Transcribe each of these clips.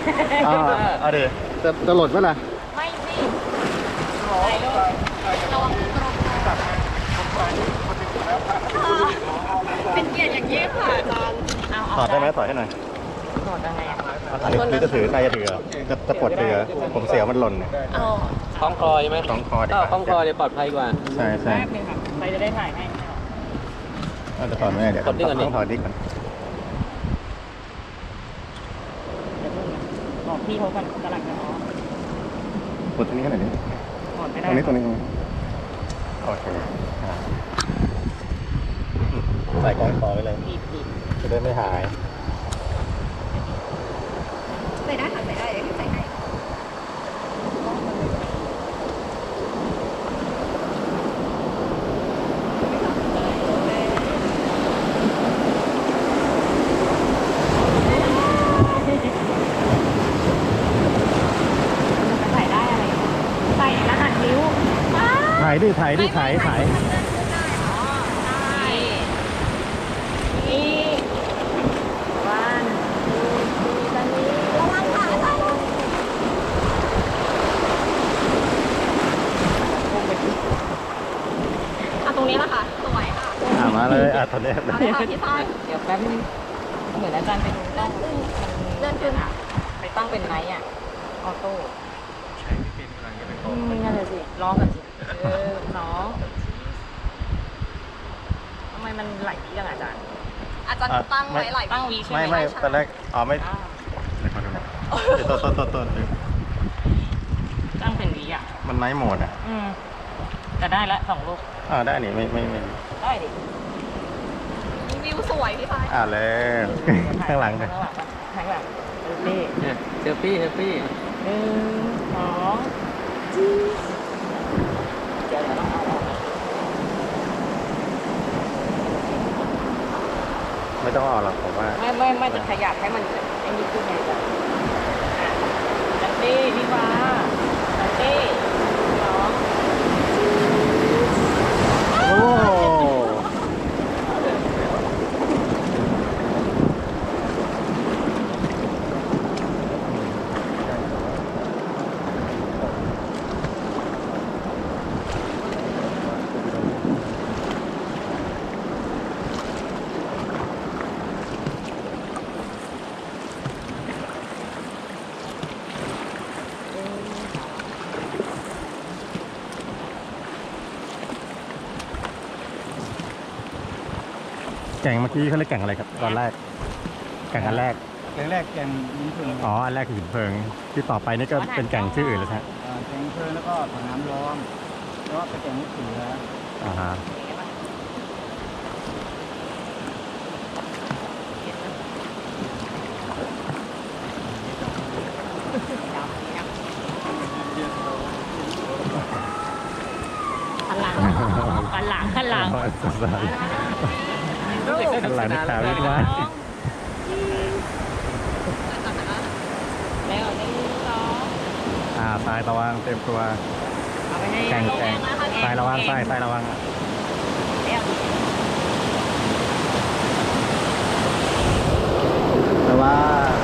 เอาดิจะหล่นไหมล่ะไม่สิไหนลูกระวังกรองเป็นเกียรติอย่างยิ่งค่ะอาจารย์ถอดได้ไหมถอดให้หน่อยถอดยังไงอ่ะหรือจะถือใครจะถือจะปลดถือผมเสียวมันหล่นคล้องคอใช่ไหมคล้องคอดีกว่าคล้องคอจะปลอดภัยกว่าใช่ใช่แป๊บนึงค่ะใครจะได้ถ่ายให้จะถอดไม่ได้เดี๋ยวต้องถอดดิก่อนบอกพี่เขากันกำลังจะออกปลดตรงนี้ขนาดนี้ถอดไม่ได้ตรงนี้โอเคใส่กล้องคอไว้เลยจะได้ไม่หายใส่ได้ค่ะใส่ได้เดี๋ยวใส่ให้ใส่ได้อะไรใส่รหัสนิ้วถ่ายดิถ่ายนี่วันตอนนี้ระวังขาใส่ตรงนี้ละค่ะสวยค่ะมาเลยตอนนี้เอาเลยค่ะพี่ฟ้าเดี๋ยวแป๊บนึงเหมือนอาจารย์ไปดูเลื่อนขึ้นไปตั้งเป็นไนท์อ่ะออโต้ใช้ไม่เป็นกำลังจะไปต่อนั่นแหละสิลองกันสิน้องทำไมมันไหลจังอาจารย์ตั้งไว้ไหลตั้งวีใช่ไหมไม่ตอนแรกไม่ต้นตั้งเป็นวีอ่ะมันไนท์โหมดอ่ะแต่ได้ละ2 ลูกได้นี่ไม่ได้ดิวิวสวยพี่ฟ้าแล้วข้างหลังเลยข้างหลังเซลฟี่ 1 2เดี๋ยวต้องเอาออกไม่ต้องเอาหรอกผมว่าไม่จะขยับให้มันไอ้นี่ขึ้นไงจ้ะจันตี้พี่ฟ้าจันตี้น้องแก่งเมื่อกี้เขาเรียกแก่งอะไรครับตอนแรกแก่งอันแรกแก่งหินเพลิงอันแรกคือหินเพลิงที่ต่อไปนี่ก็เป็นแก่งชื่ออื่นแล้วใช่แก่งเพลิงแล้วก็ถังน้ำร้อนแล้วก็แก่งลูกเสือขันหลังขันหลังขันหลังนี่ขาวนิดว่าแล้วนี่ทรายระวังเต็มตัวแข่งทรายระวังทรายระวังแต่ว่า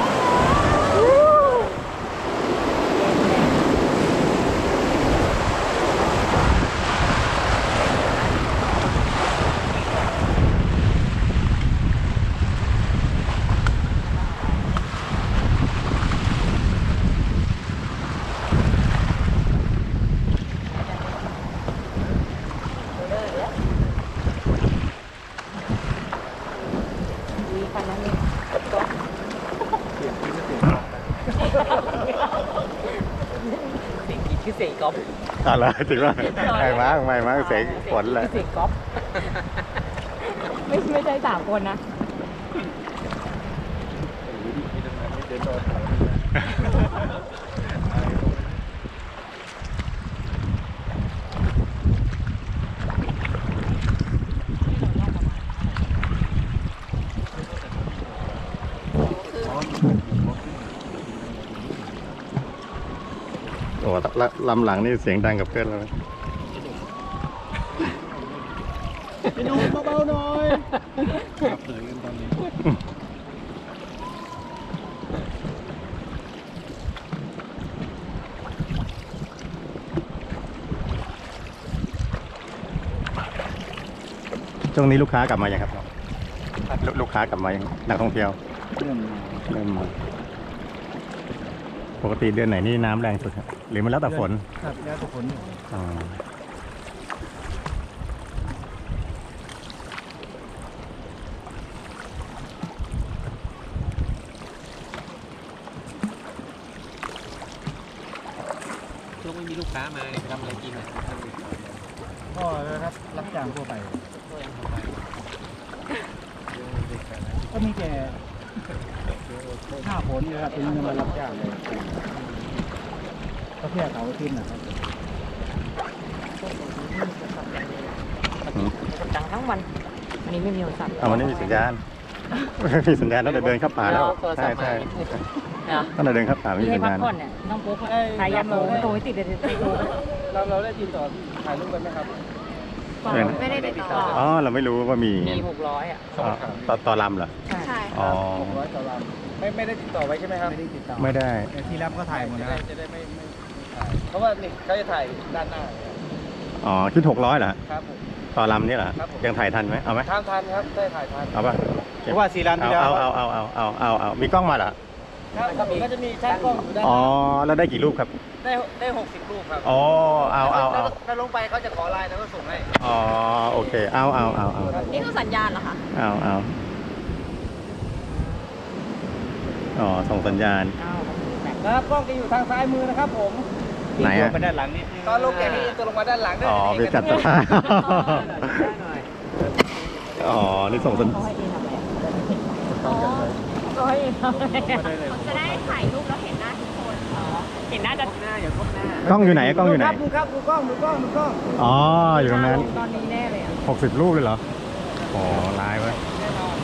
เสียงก๊อฟอะไรถึงว่าไม่มากเสียงฝนเลยเสียงก๊อฟไม่ใช่3 คนนะโอ้ลำหลังนี่เสียงดังกับเพื่อนเลยไปดูเบาๆหน่อยช่วงนี้ลูกค้ากลับมายังครับลูกค้ากลับมายังนักท่องเที่ยวเรื่องเริ่มมาปกติเดือนไหนนี่น้ำแรงสุดครับหรือมันแล้วแต่ฝนครับแล้วแต่ฝนอ๋อช่วงไม่มีลูกค้ามาเนี่ยทำอะไรกินอ่ะก็รับจ้างทั่วไป ก็มีแต่หน้าฝนนี่ครับเป็นมารับจ้างเลยก็แค่เสาร์อาทิตย์นะครับดังทั้งวันอันนี้ไม่มีโทรศัพท์เอาวันนี้มีสัญญาณ ไม่มีสัญญาณตั้งแต่เดินเข้าป่าแล้วใช่ใช่นะตั้งแต่เดินเข้าป่าไม่ที่มีให้สัญพักญาณผ่อนเนี่ยต้องพกใครอยากโทรโทรไม่ติดเลยโทรเราได้ติดต่อถ่ายรูปกันไหมครับไม่ได้ติดต่ออ๋อเราไม่รู้ว่ามีมี600อ่ะอ๋อต่อลำเหรอใช่อ๋อ 600ต่อลำไม่ได้ติดต่อไว้ใช่ไหมครับไม่ได้ติดต่อไม่ได้แต่ที่รับก็ถ่ายหมดนะครับจะได้ไม่ถ่ายเพราะว่านี่เขาจะถ่ายด้านหน้าอ๋อคิด600เหรอครับผมต่อลำนี่เหรอครับผมยังถ่ายทันไหมเอาไหมทันครับได้ถ่ายทันเอาป่ะเพราะว่า4ลำที่แล้วเอามีกล้องมาเหรอครับผมก็จะมีช่างกล้องอยู่ด้านหอ๋อน้าแล้วได้กี่รูปครับได้60 รูปครับอ๋อเอาแล้วลงไปเขาจะขอไลน์แล้วก็ส่งให้อ๋อโอเคเอานี่คือสัญญาณเหรอคะเอาอ๋อส่งสัญญาณครับกล้องจะอยู่ทางซ้ายมือนะครับผมไหนอะไปด้านหลังนิดนึงตอนลงแกนี่ตัวลงมาด้านหลังด้วยอ๋อมีจัดสภาพอ๋อนี่ส่งสัญเขาให้เองทำอะไรอ๋อเขาให้เองทำอะไรจะได้ถ่ายรูปแล้วเห็นหน้าทุกคนเห็นหน้าจะหน้าอย่าพบหน้ากล้องอยู่ไหนกล้องอยู่ไหนดูครับดูกล้องดูกล้องดูกล้องอ๋ออยู่ตรงนั้นตอนนี้แน่เลยอ่ะ 60 รูปเลยเหรออ๋อไลน์ไว้แน่นอน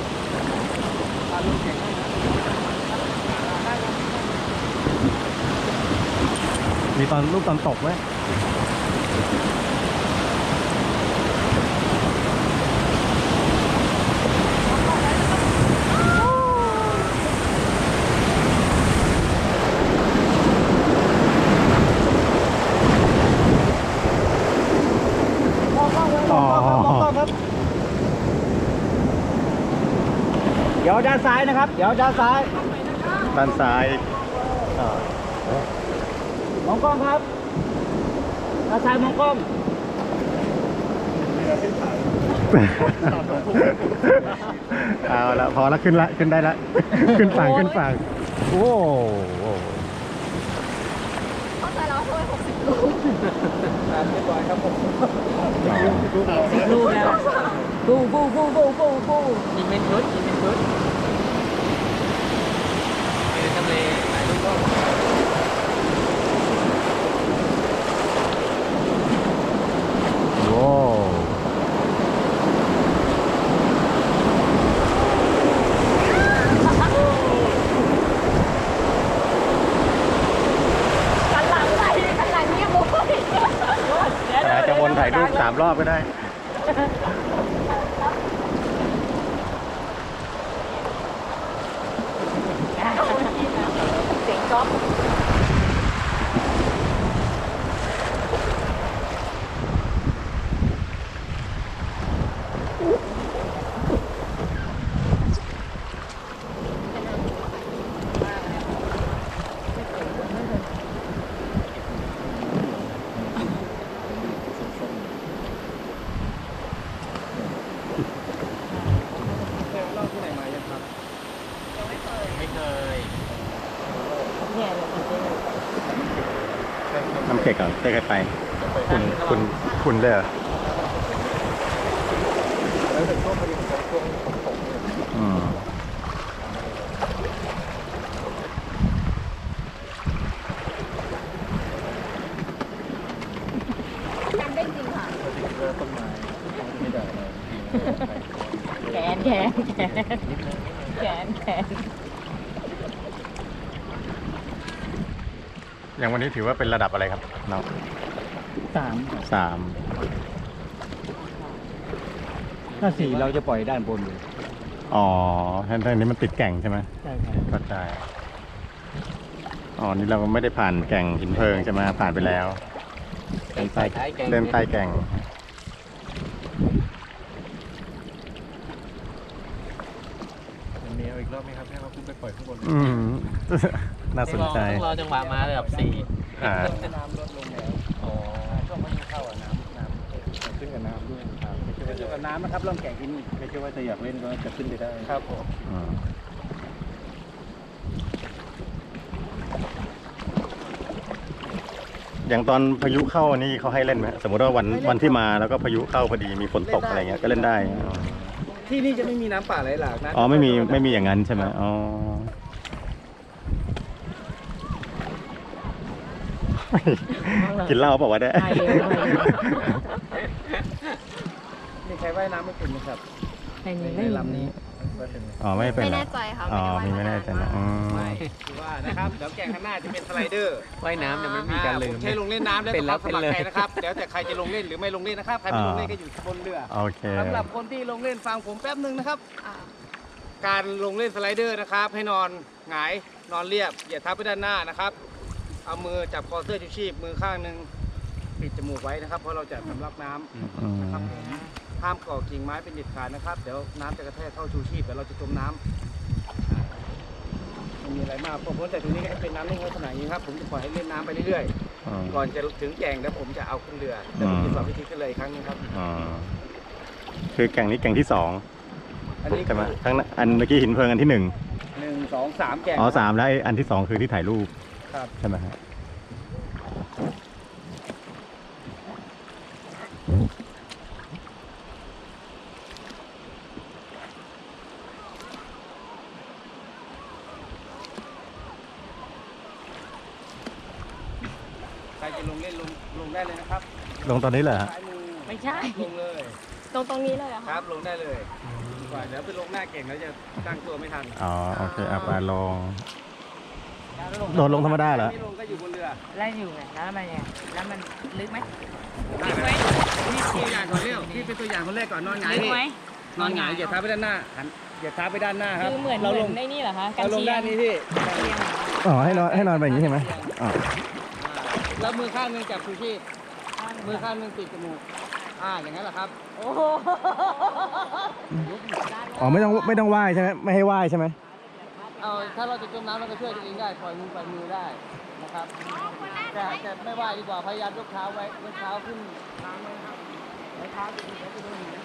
มีตอนรูปตอนตกไหมอ๋อเดี๋ยวด้านซ้ายนะครับ เดี๋ยวด้านซ้ายด้านซ้ายอ๋อมองกล้องครับด้านซ้ายมองกล้องเอาละพอละขึ้นได้ละ ขึ้นฝั่งโอ้โหเข้าใจแล้วว่าทำไม60 รูปเรียบร้อยครับผม 10 รูปแล้วกูยิงเป็นชุดเป็นทำเลถ่ายรูปก็โว้กันหลังเนี่ยบุ้ยอาจจะวนถ่ายรูป3 รอบก็ได้เสียงจ๊อบเล่าที่ไหนมายังครับไม่เคยเนี่ยเลยจริงน้ำเค็กเหรอได้ใครไป คุณเลยเหรอแล้วถึงช่วงพอดีของช่วงฝนเนี่ยอืมจำได้จริงค่ะเจอต้นไม้ไม่ได้เลยแขนอย่างวันนี้ถือว่าเป็นระดับอะไรครับน้อง 3 ถ้า 4เราจะปล่อยด้านบนเลยอ๋อท่านนี้มันติดแก่งใช่ไหมใช่ครับเข้าใจอ๋อนี่เราไม่ได้ผ่านแก่งหินเพลิงใช่ไหมผ่านไปแล้วเดินใต้แก่งเมียอีกรอบไหมครับให้เขาขึ้นไปปล่อยข้างบนน่าสนใจต้องรอจังหวะมาเลยแบบ4 อ่าน้ำลดลงแล้วอ๋อช่วงพายุเข้าน้ำขึ้นกับน้ำด้วยครับไม่ใช่ว่าจะกับน้ำนะครับล่องแก่งที่นี่ไม่ใช่ว่าจะอยากเล่นก็จะขึ้นไปได้ครับผมอย่างตอนพายุเข้านี่เขาให้เล่นไหมสมมติว่าวันที่มาแล้วก็พายุเข้าพอดีมีฝนตกอะไรเงี้ยก็เล่นได้ที่นี่จะไม่มีน้ำป่าไหลหลากนะอ๋อไม่มีอย่างนั้นใช่ไหมอ๋อ กินเหล้าเปล่าวะเนี่ยไม่เร็วไม่เร็วมีใครว่ายน้ำไม่เป็นไหมครับในนี้ในไม่มีลำนี้อ๋อไม่เป็นไม่เหรอแน่ใจค่ะอ๋อไม่ไม่ได้แน่ใจนะอืมไม่คือว่านะครับเดี๋ยวแก่งข้างหน้าจะเป็นสไลเดอร์ว่ายน้ำเนี่ยมันมีการลืมใช้ลงเล่นน้ำแล้วเป็นแล้วสมัครเป็นเลยใจนะครับเดี๋ยวแต่ใครจะลงเล่นหรือไม่ลงเล่นนะครับใครไม่ลงเล่นก็อยู่บนเรือโอเคสำหรับคนที่ลงเล่นฟังผมแป๊บหนึ่งนะครับ การลงเล่นสไลเดอร์นะครับ ให้นอนหงายนอนเรียบอย่าทับไปด้านหน้านะครับ เอามือจับคอเสื้อชูชีพมือข้างหนึ่งปิดจมูกไว้นะครับ เพราะเราจะสำลักน้ำอืมนะครับผมห้ามก่อกิ่งไม้เป็นเด็ดขาดนะครับเดี๋ยวน้ำจะกระแทกเข้าชูชีพเดี๋ยวเราจะจมน้ำไม่มีอะไรมากผมแต่ตรงนี้ก็เป็นน้ำนิ่งลักษณะอย่างนี้ครับผมจะปล่อยให้เล่นน้ำไปเรื่อยอืมๆก่อนจะถึงแก่งแล้วผมจะเอาขึ้นเรือแต่ผมจะสอนวิธีขึ้นเลยอีกครั้งหนึงครับอ๋อคือแก่งนี้แก่งที่สองอันนี้ใช่ไหมทั้งนั้นอันเมื่อกี้หินเพลิงอันที่หนึ่ง 1 2 3แก่งอ๋อ3แล้วไอ้อันที่สองคือที่ถ่ายรูปครับใช่ไหมครับใครจะลงเล่นลงได้เลยนะครับลงตอนนี้เหรอฮะซ้ายมือไม่ใช่ลงเลยตรงนี้เลยเหรอคคะรับลงได้เลยดีกว่าเดี๋ยวไปลงหน้าเก่งแล้วจะตั้งตัวไม่ทันอ๋อโอเคอ่ะไปลง โดดลงธรรมดาเหรอไม่ลงก็อยู่บนเรือแล้วอยู่ไงแล้วมันยังไงแล้วมันลึกไหมได้ไหมพี่ตัวอย่างก่อนเร็วพี่เป็นตัวอย่างคนแรกก่อนนอนหงายลึกพี่ไหมนอนหงายอย่าเท้าไปด้านหน้าหันอย่าเท้าไปด้านหน้าครับคือเหมือนเราลงในนี่เหรอคะกัเรานลงเชียด้านงนี้พี่อ๋อให้นอนแบบนี้ใช่ไหมอ๋อแล้วมือข้างหนึงจับชูชีพมือข้างหนึงปิดจมูกอย่างนั้นแหละครับโอ้โหอ๋อไม่ต้องว่ายใช่ไหมไม่ให้ว่ายใช่ไหมเอาถ้าเราจะจมน้ำเราก็ช่วยตัวเองได้ปล่อยมือได้นะครับแต่ไม่ว่าดีกว่าพยายามยกเท้าไว้ยกเท้าขึ้นน้ำเลยครับไว้เท้าจะดีแล้วจะโดนหิน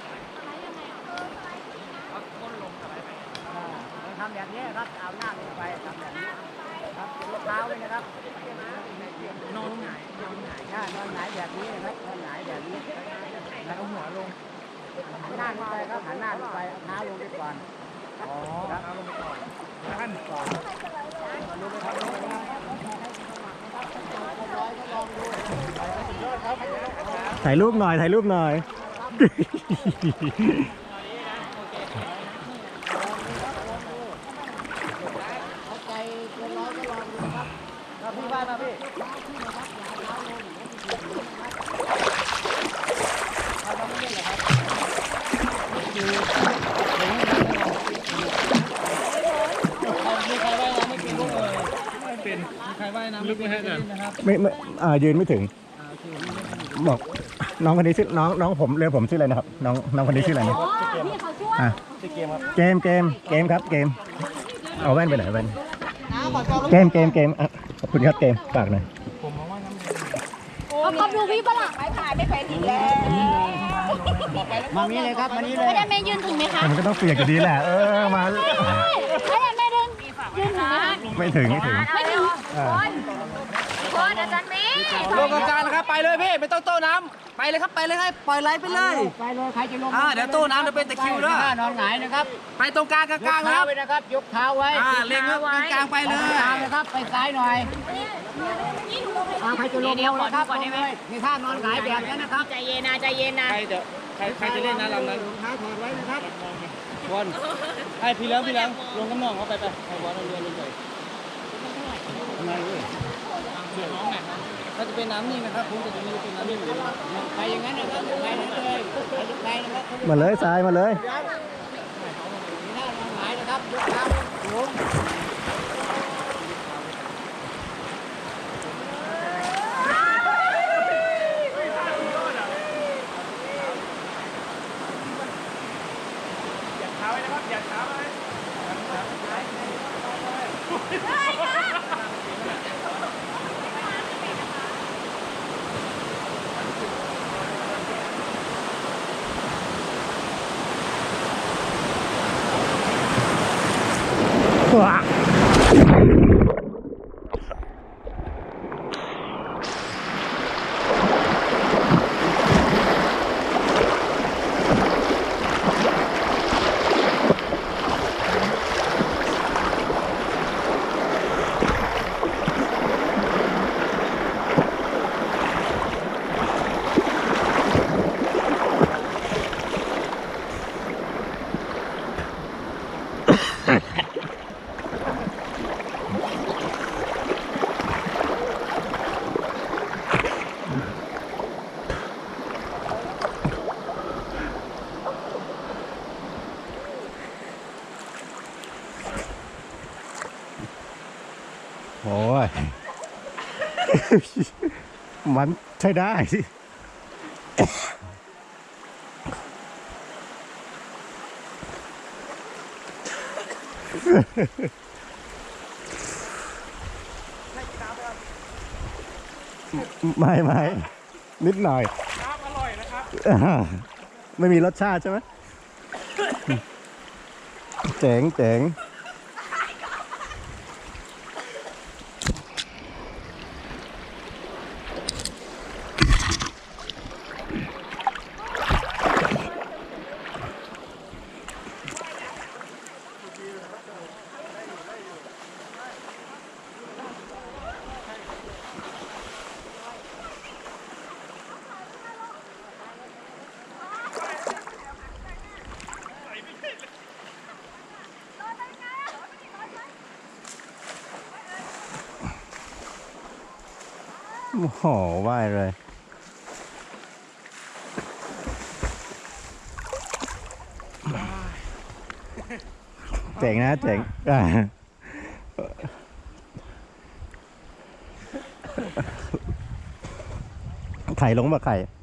เอาก้นลงอะไรไปทำอย่างนี้ครับเอาหน้าลงไปทำแบบนี้ครับยกเท้าเลยนะครับนอนหงายนอนหงายแบบนี้นะครับนอนหงายแบบนี้แล้วก็หัวลงหันหน้าลงไปครับหันหน้าลงไปเอาเท้าลงไปก่อนอ๋อเอาลงไปก่อนขั้นก่อนลงไปครับลงไปครับถ่ายรูปหน่อยถ่ายรูปหน่อยพี่ว่ายมาพี่มีใครว่ายน้ำไม่เป็นลูกเลยไม่เป็นมีใครว่ายน้ำลึกไหมฮะนะครับไม่ยืนไม่ถึงบอกน้องคนนี้ชื่อน้องผมเรียกผมชื่ออะไรนะครับน้องคนนี้ชื่ออะไรนะพี่เขาช่วยอ่ะชื่อเกมครับเกมครับเกมเอาแว่นไปไหนแว่นเกมอ่ะขอบคุณครับเกมฝากหน่อยเอาดูพี่ฝรั่งไปถ่ายไม่ไปถึงแล้วมานี้เลยครับมานี้เลยไม่ได้แม่ยืนถึงไหมคะมันก็ต้องเปียกอยู่ดีแหละมาไม่ได้แม่เดินยืนถึงไหมคะไม่ถึงไม่ถึงอ่าคนอาจารย์เมย์ลงกลางนะครับไปเลยพี่ไม่ต้องโต้น้ำไปเลยครับไปเลยให้ปล่อยไหลไปเลยไปเลยใครจะลงเดี๋ยวโต้น้ำจะเป็นตะคริวด้วยนอนหงายนะครับไปตรงกลางกลางนะครับไว้นะครับยกเท้าไว้เล็งครับกลางไปเลยกลางนะครับไปซ้ายหน่อยใครจะลงเร็วนะครับลงเลยมีท่านอนหงายแบบนี้นะครับใจเย็นนะใจเย็นนะใครจะเล่นนะลำนั้นเท้าถอดไว้นะครับบอลไอ้พี่เลี้ยงลงน้ำหนองเขาไปให้บอลเรือลงไปไม่เว้ยถ้าจะเป็นน้ำนิ่งนะครับผมจะมีเป็นน้ำนิ่งอยู่ไปอย่างนั้นนะครับไปเลยไปนะครับมาเลยทรายมาเลยมีท่านอนหงายนะครับยกเท้าลงเท้าไว้นะครับอย่าเท้าไว้ว้าโอ้ย มันใช้ได้สิ ไม่นิดหน่อยน้ำอร่อยนะครับไม่มีรสชาติใช่ไหม เจ๋งโอ้โหว่ายเลย เจ๋งนะเจ๋งไข่ลงมาไข่